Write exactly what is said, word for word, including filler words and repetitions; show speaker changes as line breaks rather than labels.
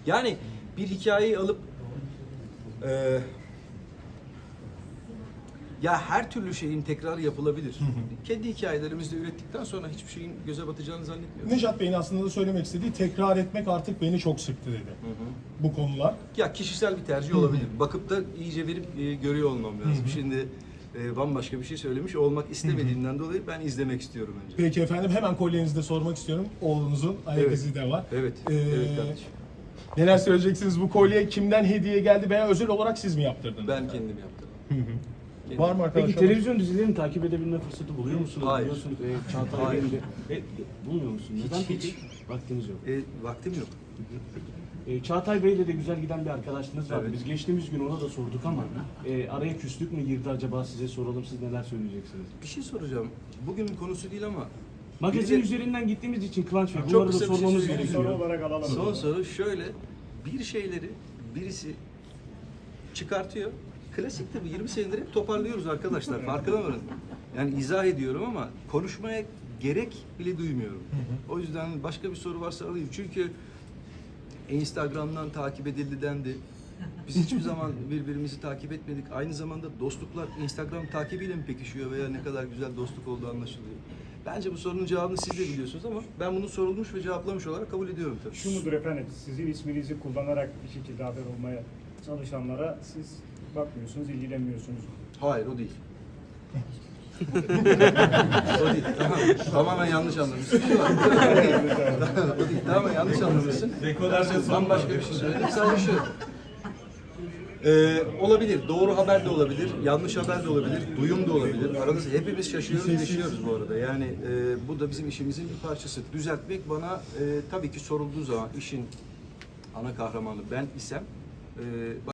Yani bir hikayeyi alıp e, ya her türlü şeyin tekrarı yapılabilir.
Hı hı.
Kendi hikayelerimizde ürettikten sonra hiçbir şeyin göze batacağını zannetmiyorum.
Nejat Bey'in aslında da söylemek istediği tekrar etmek artık beni çok sıktı dedi.
Hı hı.
Bu konular.
Ya kişisel bir tercih
Hı hı.
olabilir. Bakıp da iyice verip e, görüyor olmam lazım.
Hı hı.
Şimdi e, bambaşka bir şey söylemiş olmak istemediğimden dolayı ben izlemek istiyorum önce.
Peki efendim, hemen kolyenizde sormak istiyorum. Oğlunuzun ayak
Evet.
izi de var.
Evet,
Ee,
evet kardeşim.
Neler söyleyeceksiniz? Bu kolye kimden hediye geldi veya özel olarak siz mi yaptırdınız?
Ben kendim yaptım.
Hı hı.
Kendim.
Var mı arkadaşlar?
Peki televizyon dizilerini takip edebilme fırsatı buluyor musunuz?
Hayır.
Biliyorsunuz e, Çağatay
Hayır.
Bey'in de... E, bulmuyor musunuz?
Hiç,
Neden
hiç.
peki? Vaktiniz yok.
E, vaktim yok.
E, Çağatay Bey'le de güzel giden bir arkadaşınız var.
Evet.
Biz geçtiğimiz gün ona da sorduk ama e, araya küslük mü girdi acaba, size soralım, siz neler söyleyeceksiniz?
Bir şey soracağım. Bugünün konusu değil ama
Magazin
Bir de-
üzerinden gittiğimiz için Kıvanç Bey
Çok
bunları da
kısa bir şey
sormamız
söyleyeyim.
gerekiyor.
Soru olarak alalım.
son soru şöyle. Bir şeyleri birisi çıkartıyor. Klasiktir bu. yirmi senedir hep toparlıyoruz arkadaşlar. Farkına varın. Yani izah ediyorum ama konuşmaya gerek bile duymuyorum. O yüzden başka bir soru varsa alayım. Çünkü Instagram'dan takip edildi dendi. Biz hiçbir zaman birbirimizi takip etmedik. Aynı zamanda dostluklar Instagram takibiyle mi pekişiyor veya ne kadar güzel dostluk olduğu anlaşılıyor. Bence bu sorunun cevabını siz de biliyorsunuz ama ben bunu sorulmuş ve cevaplamış olarak kabul ediyorum tabii.
Şu mudur efendim, sizin isminizi kullanarak bir şekilde haber olmaya çalışanlara siz bakmıyorsunuz, ilgilenmiyorsunuz.
Hayır, o değil. O değil. Tamam. Tamamen yanlış anlamışsın. O değil. Tamamen yanlış anlamışsın. Bambaşka bir şey söyledim. Sadece şu. Ee, olabilir. Doğru haber de olabilir. Yanlış haber de olabilir. Duyum da olabilir. Arada hepimiz şaşıyoruz, yaşıyoruz bu arada. Yani e, bu da bizim işimizin bir parçası. Düzeltmek bana e, tabii ki sorulduğu zaman işin ana kahramanı ben isem e,